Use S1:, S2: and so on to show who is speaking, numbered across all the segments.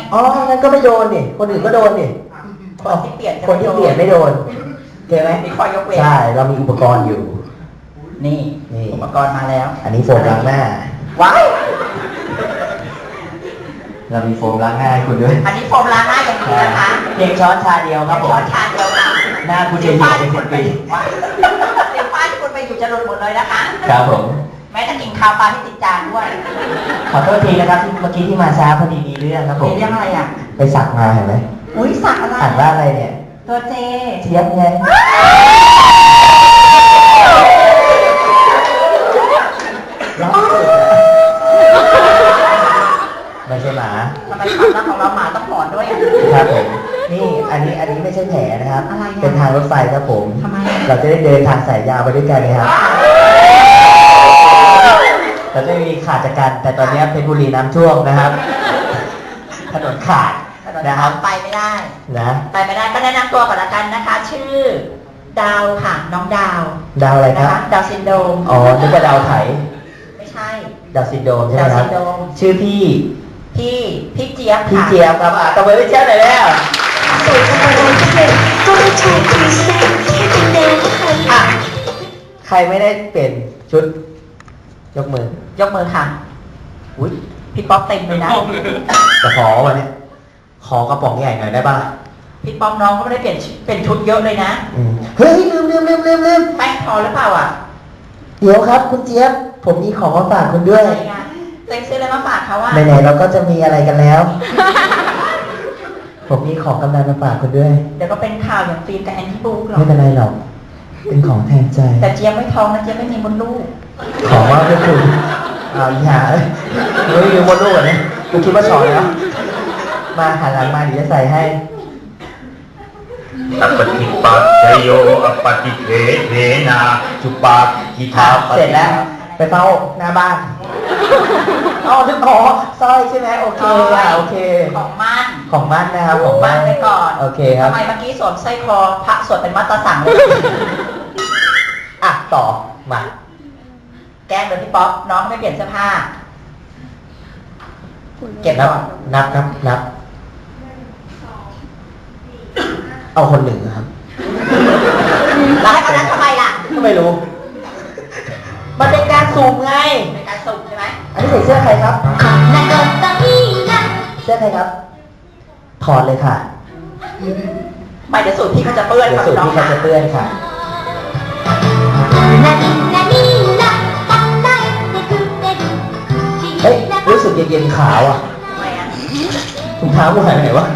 S1: อ๋องั้นก็ไม่โดนนี่คนอื่นก็โดนนี่
S2: คนที่เปลี่ยน
S1: ไม่โดนเห็นไหม
S2: มีข้อยกเว้น
S1: ใช่เรามีอุปกรณ์อยู่
S2: นี่อุปกรณ์มาแล้ว
S1: อันนี้โฟมล้างหน้า
S2: ว้าย
S1: เรามีโฟมล้างหน้าให้คุณด้วย
S2: อันนี้โฟมล้างหน้าอย่างนี้นะคะ
S1: เพียงช้อนชาเดียวครับผม
S2: ช้อนชาเดียวค่ะ
S1: หน้าคุณจะอยู่เป็น10 ปี
S2: เดี๋ยวป้าที่คุณไปอยู่จะหลุดหมดเลยนะคะ
S1: ครับผม
S2: แม้จะกินข้าวปลาที่ติดจานด้วย
S1: ขอโทษทีนะครับที่เมื่อกี้ที่มาช้าพอดีมีเรื่องครับผม
S2: มีเรื่องอะไรอ่ะ
S1: ไปสักมาเห็นไหม
S2: อุ้ยสักอะไร
S1: อ่านว่าอะไรเนี่ย
S2: ตัวเจ
S1: เจี๊ยบไงไม่ใช่หมา
S2: ทำไมความรักของเราหมาต้องหอนด้วย
S1: ครับผมนี่อันนี้ไม่ใช่แผลนะครับเป็นทางรถไฟครับผม
S2: ทำไม
S1: เราจะได้เดินทางสายยาวไปด้วยกันนะครับเราจะมีขาดจากกันแต่ตอนนี้เพชรบุรีน้ำท่วมนะครับถนนขาดนะครับ
S2: ไปไม่ได้
S1: นะ
S2: ไปไม่ได้ก็แนะนำตัวก่อนละกันนะคะ ชื่อดาวค่ะน้องดาว
S1: อะไรครับ
S2: ดาวซินโดรม
S1: อ๋อนึกว่าดาวไถ
S2: ไม่ใช่
S1: ดาวซินโดรมใช่ไหมครับชื่อพี่
S2: เจี๊ยบ
S1: พี่เจี๊ยบครับตบมือพี่เจี๊ยบหน่อยแล้ว
S3: สวยจังเลยก็ได้ชมคุณแซ่บแค่เป็นแนวค่ะ
S1: ใครไม่ได้เปลี่ยนชุดยกมือ
S2: ค่ะอุ้ยพี่ป๊อกเต็มเลยนะ
S1: จะขอวันนี้ขอกระป๋องใหญ่หน่อยได้ป่ะ
S2: พี่ป๊อกน้องก็ไม่ได้เปลี่ยนชุดเยอะเลยนะ
S1: เฮ้ยลืม
S2: แป้งพอหรือเปล่าอ่ะ
S1: เดี๋ยวครับคุณเจี๊ยบผมมีของมาฝากคุณด้วย
S2: เต็งซื้ออะไรมาฝากเขาว่า
S1: ไหนๆเราก็จะมีอะไรกันแล้วผมมีของกำนันมาฝากคุณด้วย
S2: เดี๋ยวก็เป็นข่าวอย่างฟิล์มกับแอนที่บุ๊กหรอก
S1: ไม่เป็นไรหรอกเป็นของแทนใจ
S2: แต่เจี๊ยบไม่ท้องนะเจี๊ยบไม่มีมดลูก
S1: ของว่าเพื่อนคุณอย่าไม่มีมดลูกเนี่ยคุณคิดว่าสอนแล้วมาหันหลังมาเดี๋ยวจะใส่ให้
S4: อปฏิปัจจโยอปฏิเทเทนาจุปาทิทา
S1: เสร็จแล้วไปเฝ้าหน้าบ้านนึกสร้อยใช่ไหมโอเคโอเค
S2: ของมั่น
S1: นะครับของมั่น
S2: ไปก่อน
S1: โอเคครับ
S2: ทำไมเมื่อกี้สวมสร้อยคอพระสวดเป็นมัตตสั่งเลย
S1: ต่อมา
S2: แกล้งโดยพี่ป๊อกน้องไม่เปลี่ยนเสื้อผ้าเก็บ
S1: นับเอาคนหนึ่งครับ
S2: แล้วให้คนนั้นทำไมล่ะ
S1: ก็ไม่รู้มันเป็นการสุ่มไง
S2: เป็นการสุ่มใช่ไหม
S1: อันนี้ใส่เสื้อใครครับเสื้อใครครับถอดเลยค่ะ
S2: ไม่เดี๋ยวสูตรพี่เขาจะเปื้อน
S1: สูตรพี่เขาจะเปื้อนค่ะเฮ้ยรู้สึกเย็นๆขาวอ่ะถุงเท้ากูหายไปไหนวะ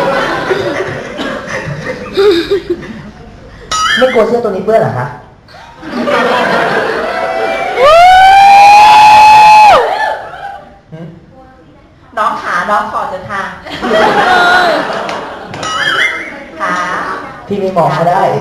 S1: ไม่กลัวเสื้อตัวนี้เปื้อนเหรอคะ
S2: น้องถอดเดินทางขา
S1: พี่ไม่มองก็ได้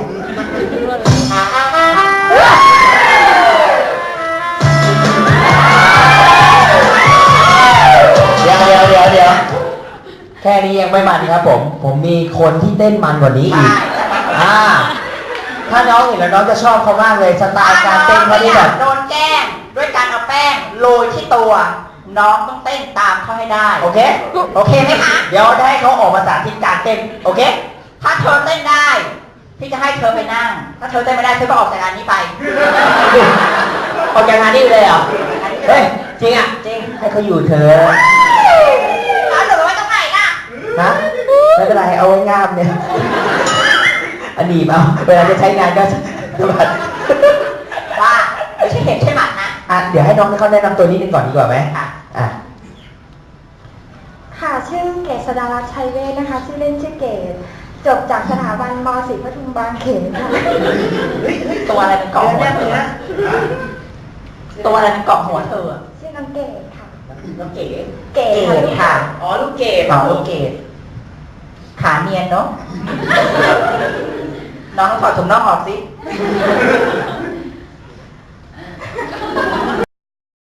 S1: เดี๋ยวแค่นี้ยังไม่มันครับผมมีคนที่เต้นมันกว่านี้อีกถ้าน้องเห็นแล้วน้องจะชอบเขามากเลยสไตล์การเต้นเขาที่แบบ
S2: โดนแกล้งด้วยการเอาแป้งโรยที่ตัวน้องต้องเต้นตามเขาให้ได้
S1: โอเค
S2: ไหมคะ
S1: เดี๋ยวให้เขาออกมาสาธิตการเต้นโอเค
S2: ถ้าเธอเต้นได้พี่จะให้เธอไปนั่งถ้าเธอเต้นไม่ได้เธอก็ออกจากงานนี้ไป
S1: ออกจากงานนี้เลยเหรอเฮ้ยจริงอ่ะ
S2: จริง
S1: ให้เขาอยู่เธอ
S2: เอาหนูไว้ตรงไหนล่ะ
S1: ฮะไม่เป็นไรเอาไว้งามเนี่ยอันนี้เอาเวลาจะใช้งานก็สบัด
S2: ว่าไม่ใช่เห็บใช่หมัดนะ
S1: เดี๋ยวให้น้องเขาแนะนำตัวนี้กันก่อนดีกว่าไหม
S3: ค่ะชื่อเกษดารัตน์ชัยเวชนะคะชื่อเล่นชื่อเกศจบจากสถาบันม.ศรีปทุมบางเขนค่ะ
S2: ตัวอะไรเป็นเกาะหัวเธอตัวอะไรเป็นเกาะหัวเธอ
S3: ชื่อน้องเกศค่ะ
S2: น้องเกศค่ะลูกเกศขาเนียนเนาะน้องถอดถุงน่องออกสิ